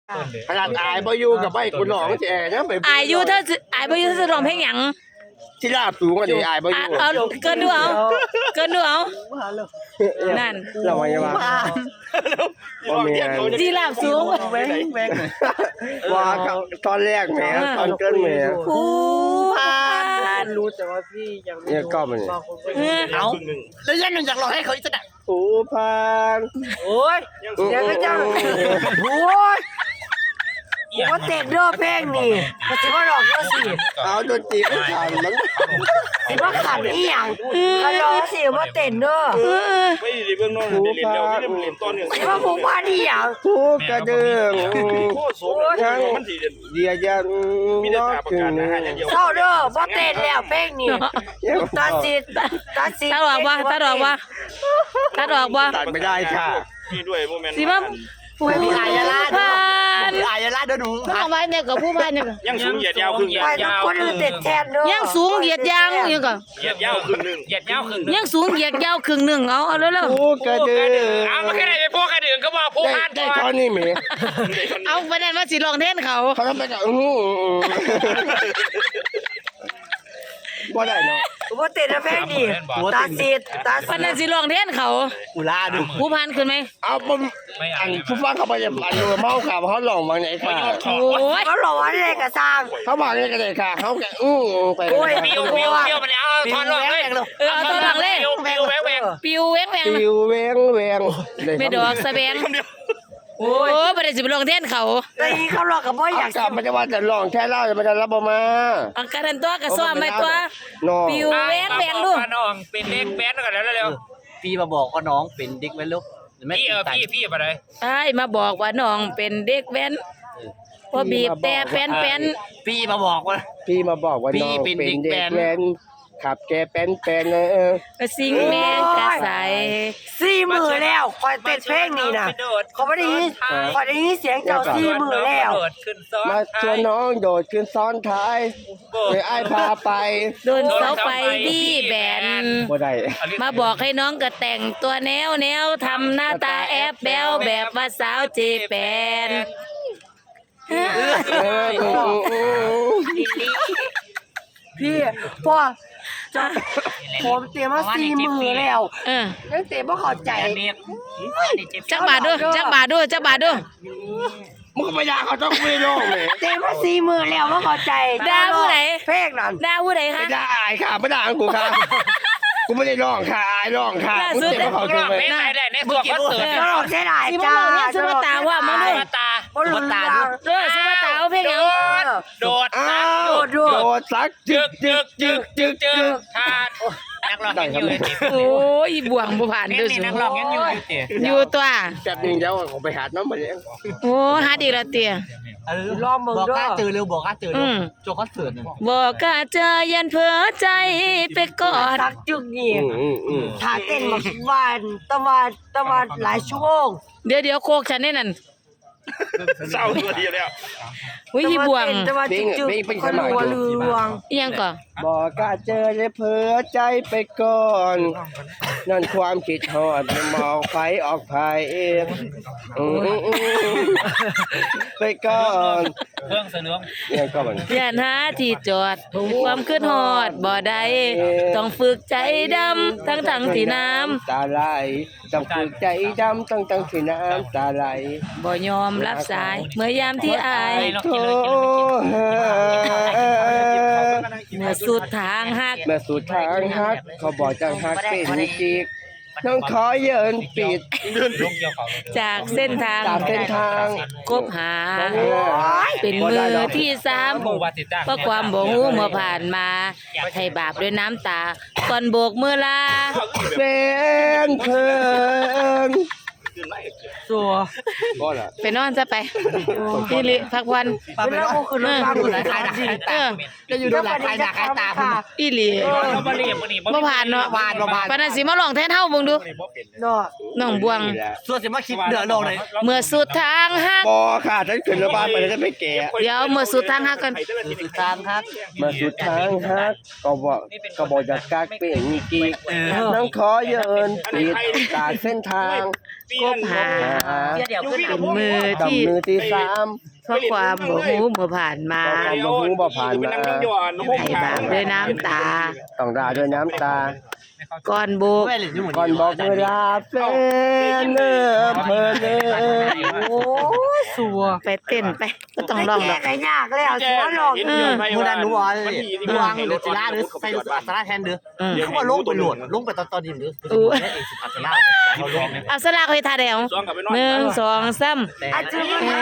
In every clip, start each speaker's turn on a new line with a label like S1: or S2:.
S1: ขนาดอายบ่อยู่กับใบกูหลองแจ๋นะไป
S2: อายอยู่ถ้าอายบ่อยู่ถ้าจะร้องเพลงหยัง
S1: ที่ราบสูงกว่านี้อายบ่อยู่
S2: เอาเกินดูเอาเกินดูเอานั่น
S1: เราไม่ว่า
S2: จีราบสูง
S3: แบง
S1: ว่าตอนแรกแหมตอนเกินแหม
S2: ผู้พาน
S3: รู้แต่ว่าพี่ยังไม่
S1: เนี่ยก็มัน
S3: เอาแล้วยันอยากรอให้เขาอีกสักหน่อย
S1: ผู้พัน
S3: โอ้ยยังไม่จังโอ้ยว่าเตะเด้อเพลงนี่ก็สิว่าหลอกเด้อสิ
S1: เอาดนตรีไม่ทันมัน
S3: สิว่าขันอีหยังก็รอสิว่าเต้นเด้อ
S4: ไม่ได้เบื้องนอกเรียนเร็วที่เรียนต้นเนี่ย
S3: สิว่าผู้พานอีหยัง
S1: ผู้กระเดื่อง
S4: โคตรโสมมันสีเด่น
S1: เดียยัน
S4: มีแต่ตาประกาศนะฮะอย่างเดียว
S3: เศร้าเด้อบ่เต้นแล้วเพลงนี่ตัดสิตัดสิ
S2: ตัดออกบ่ตัดออกบ่ตัดออกบ่
S1: ตัดไม่ได้ค่ะ
S4: มีด้วยโมเมนต์
S2: สิว่าผู้
S3: อายาลา
S2: พาน
S3: อายาลาเด้อหนู
S2: ผู้เอาไว้เนี่ยกับผู้พานเนี่ย
S4: ยังสูงเหยียดยาวครึ่ง
S3: ไปทุกคนเต้นแทนเด้อ
S2: ยังสูงเหยียดยางยังก็
S4: เหยียดยาวครึ่งนึงเหยียดยาวครึ่ง
S2: ยังสูงเหยียดยาวครึ่งหนึงเอาเร็ว
S1: ผู้กระเดื่อง
S4: เอามาแค่ไหนไปพวกกระดื่งก็บอกพวกพาน
S1: ได้ตอนนี้แหม
S2: ๆเอาไปนั่นว่าสิร้องแทนเขา
S1: เขาทำไปแบบบ่ได้เนาะ
S3: บ่เต้นเพลงนี่ตัดสิตัด
S2: ปานนั้นสิร้องแทนเขา
S3: อุลาดู
S2: ผู้พานขึ้นไหม
S1: เอาผมอันผู้ฟังเขาไปจะอันเมาค่ะเขาหลงมาไหนค่ะ
S2: โอ้ย
S3: เขาหลอกว่าอะไรก็สร้าง
S1: เขาบอกนี่ก็ได้ค่ะเขาแกไป
S3: โอ้ย
S4: ปิ้วมันเอาทอนลงเลย
S2: เอาตัวหลังเลย
S4: ปิ้วแหวก
S2: ปิวแหวง
S1: ปิวแวงแวง
S2: ไม่ดอกสะแบงโอ้ยบ่ได้สิไปร้องแทนเขา
S3: แต่อีเขาหลอกกับบ่อยาก
S1: กลับมันจะว่าจะลองแค่เล่ามันจะรับมา
S2: อังการันตัวก็ซ้อมไว้ตัว
S1: น้อง
S2: ปิวแหวงดู
S4: น้องเป็นเด็กแบนกันแล้วเร็ว
S3: พี่มาบอกว่าน้องเป็นเด็กแว้นลูก
S4: พี่อะไร
S2: ไอ้มาบอกว่าน้องเป็นเด็กแว้นพอบีบแต่แป้น
S3: พี่มาบอกว่า
S1: พี่มาบอกว่าน้องเป็นเด็กแว้นขับแกเป็น
S2: ก็สิงแมงกะใส
S3: 4 มื้อแล้วคอยเต้นเพลงนี่น่ะเขาบ่ได้ยินคอยได้ยินเสียงเจ้า4 มื้อแล้ว
S1: มาชวนน้องโดดขึ้นซ้อนท้ายไปไอ้พาไป
S2: โดนเสาไฟบี้แบน
S1: บ่ได้
S2: มาบอกให้น้องก็แต่งตัวแนวทำหน้าตาแอบแบวแบบว่าสาวเจแปน
S3: พี่พ่อจะผมเตรียมมา4 มื้อแล้วยังเตรียมบ่เข้าใจ
S2: จักบาทด้วยจักบาทด้วยจักบาทด้วย
S1: มึงก็ไม่ด่าเขาต้องไม่ร้องเลย
S3: เตรียมมา4 มื้อแล้วบ่เข้าใจเพลงนั้น
S2: ด่าผู้ใดคะ
S1: ไม่ด่าอายค่ะไม่ด่ากูค่ะกูไม่ได้ร้องค่ะอายร้องค่ะกูเจ็บเขาเจ็บเลย
S4: ไม่ได้ในตัวคอนเสิร์ต
S3: ก็หลอกใช่ได้
S2: สิมา
S3: จ้า
S2: บอกเนี่ยสุภาตาว่ามาด้วย
S4: ตา
S3: บ่รู้ตา
S2: สุภาตาเอาเพลงหยัง
S4: โดด
S1: อ้าวโดดซักจึก
S4: ทานนักร้องยังอยู่
S2: โอ้ยบ่วงบ่ผ่านด้วยสิ
S4: นักร้องยังอยู่
S2: อยู่ตัว
S1: แบบนึงเดี๋ยวผมไปหาน้องมาเลี้ยง
S2: โอ้หาดีละเตีย
S3: รอบมึงด้วย
S5: เจอเร็วบอกว่าเจอเร็วโจคอนเสิร์ต
S2: บอกกะเจอยันเผลอใจไปกอด
S3: สักจุกนี่ถ้าเต้นมาวันตะวันหลายชั่วโมง
S2: เดี๋ยวโคกฉันนี่นั่น
S4: เศร้าตัวเดียวแล้ว
S2: อุ้ยที่บ่วง
S3: ตะวันจุกๆคนรัวลือวง
S2: อีหยังก่อ
S1: บอกกะเจอเลยเผลอใจไปก่อนนั่นความคิดฮอดมองไฟออกภายเองไปก่อน
S4: เครื่องเสนอ
S1: เนี่ยก็มัน
S2: ย่านหาที่จอดความขึ้นฮอดบ่ได้ต้องฝึกใจดำทั้งที่น้ำ
S1: ตาไหลต้องฝึกใจดำตั้งที่น้ำตาไหล
S2: บ่ยอมรับสายเมื่อยามที่อาย
S1: โทรหา
S2: เมื่อสุดทางหัก
S1: แม่สุดทางฮักเขาบอกจังฮักเป็นจิกน้องขอเยินปิด
S2: จากเส้นทาง
S1: จากเส้นทาง
S2: คบหาเป็นมือที่สามเพราะความบ่ฮู้เมื่อผ่านมาให้บาปด้วยน้ำตาก่อนโบกมือลา
S1: เป็นเพิ่น
S3: สัว
S1: บ่ล่ะ
S2: ไปนอนซะไปพี่ลิพักวัน
S3: เวลากูขึ้นรถมากูไหนใครด่า
S5: จะอยู่ดูหลายใครด่าใครตาคุณ
S2: อีหลี
S4: บ่รีบบ่นี่
S2: บ่ผ่านเนาะปานนั้นสิมาลองแทนเฮาเบิ่งดู
S3: เนาะ
S2: น้องบวง
S5: ส่วนสิมาคิดเดือดลงเลย
S2: เมื่อสุดทางหัก
S1: บ่ค่ะฉันขึ้นรถบ้านไปแล้วจะไม่แก่
S2: เดี๋ยวเมื่อสุดทางหักกัน
S5: ตามครับ
S1: มาสุดทางฮักก็บอกจะกักเป็นจิกน้องขอเยินปิดจากเส้นทาง
S2: คบหาเป็นมือ
S1: ดำ
S2: ที่
S1: มือที่สาม
S2: เพราะความบ่ฮู้บ่ผ่านมา
S1: ความบ่ฮู้บ่ผ่านมา
S2: ให้บาปด้วยน้ำตา
S1: ต้องด่าด้วยน้ำตา
S2: ก่อนโบก
S1: ก่อนบอกเวลาเป็นเนื้อเพลินเนื้อ
S3: โอ้ยสัว
S2: ไปเต้นไปก็ต้องร้องดอก
S3: แก้ยากแล้วสิว่าหลอก
S5: มูนันนัววางหรือจิล่าหรือใส่อัตราแทนเด้อเขาว่าลงไปโหลดลงไปตอนนี้เด้อเอกสิอัตราเขาลง
S2: เอาสลากให้ทาแดง1 2 3
S3: อาจจะ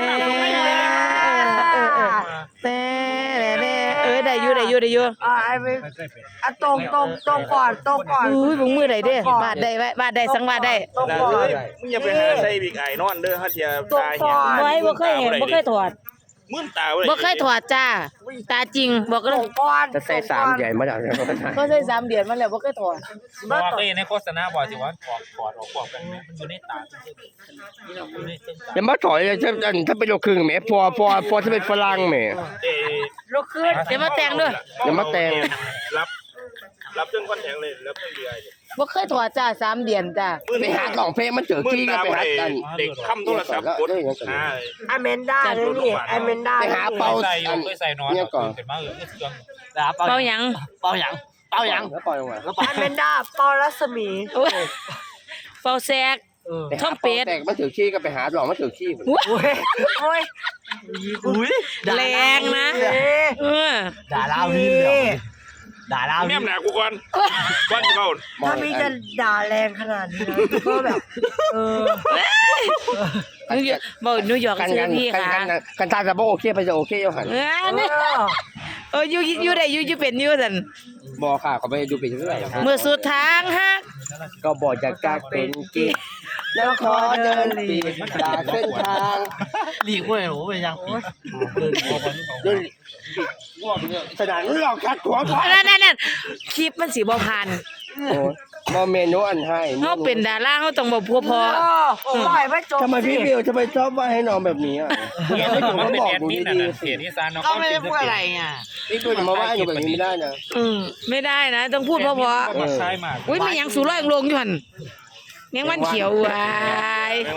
S2: แต่ได้อยู่
S3: ไอ้ไปตรงก่อน
S2: อุ้ยบ่มือได้เด้บาดได้สังวาดได้
S3: ตรงก่อน
S6: มึงอย่าไปหาใส่บิ๊กไอ้นอนเด้อฮะเทีย
S3: ตรง
S6: ตา
S3: ก่
S6: เหี้ย
S3: อน
S2: บ่ให้บ่เคยเห็นบ่เคยถอด
S6: มึนตาเว้ย
S2: บ่เคยถอดจ้า ตาจริงบอก
S3: ต
S2: เล
S3: ร
S2: ย
S3: งก่อน
S1: จะใส่สามใหญ่มาจากไหนก็ไม่ได้
S2: ก็ใช้3เดือนมาแล้วบ่เคยถอด
S4: บอกเคยในโฆษณาบอกสิว่าถอดออกกันมันอยู่ในตาอยู่ในเส้นตา
S1: อย่ามาถอยเลยถ้าเป็นโลครึ่งแหมพอถ้าเป็นฝรั่งแหม
S6: เอ้
S3: ลุกขึ้น
S2: เดี๋ยวมาแต่งด้วย
S1: อย่ามาแต่ง
S6: รับจนคอนแทงเลยรับจนเดือย
S2: บ่เคยถอดจ้า3เดือนจ้า
S1: ไปหาสองเพลงมันเจอ
S6: มึน
S1: ขี้ก็
S6: ตา
S1: ไป
S6: บ่
S1: หา
S6: ได้
S1: กัน
S6: เด็กค้ำโทรศัพท์กดหา
S3: อเมนด้าเลยนี่อเมนด้า
S1: ไปหาเป่า
S4: ใส่อยู่เคยใส่นอน
S1: เนี่ยก่อน
S4: เป็นมาเครื่อง
S2: เป่าหยัง
S5: เป่าหยัง
S1: แล้วปล่อยลงมา
S5: แล้ว
S3: อเมนด้าปอรัศมี
S2: โอ้ยเป่าแซก
S1: ไป
S2: ท่
S1: หา
S2: องเป็ด
S1: แตกมันถือขี้ก็ไปหาหลอกมันถือขี้
S3: โอ้ย
S5: อุ้ย
S2: แรงนะ เออ
S5: ด่าลาวนี่เดียวด่าลาว
S6: แม่
S5: นี่
S6: มหนากูก่อนก่อนเบา
S3: ถ้ามีจะด่าแรงขนาดนี้นะก็แบบ
S2: นิวยอร์ก
S1: กัน
S2: ซื้
S1: กั
S2: อน พี่ค่ะ
S1: กันตาจะบอกโอเคไปจะโอเคอยู่หัน
S2: เนี่ยอยู่ได้อยู่เป็นอยู่ซั่น
S1: บอกค่ะเขาไปดูไปเรื่อย
S2: เมื่อสุดทางฮัก
S1: ก็บอกจะกากเป็นกิ๊กแล้วขอเดินปีกจากเส้นทาง
S5: หลีกเว้ยโอ้ยยังปี
S1: เดินสนามหลอกคัดหัวก่อน
S2: นั่นคลิปมันสิบ่ผ่าน
S1: โอ้มาเมนูอันให้
S2: เฮาเป็นดาราเฮาต้องบ่พัวพอ
S3: ปล่อยไม่จบ
S1: ทำไมพี่บิวทำไมชอบว่าให้น้องแบบนี้อ่ะไม่ถูก
S4: มัน
S1: เขา
S4: เป็น
S1: บอก
S4: แอด
S1: ดู
S4: มิน
S1: ดี
S4: น่ะ
S1: ๆ
S4: เสียที่ซานน้อง
S5: ก็ไม่ได้พูดอะไรไง
S1: พี่บิวอย่ามาว่าหนูแบบนี้ไม่ได้นะ
S2: ไม่ได้นะ ต้องพูดเพราะ
S4: มันใช่มาก
S2: ๆอุ้ยมีหยังสูร้อยลงอยู่หั่นยังมันเขียววาย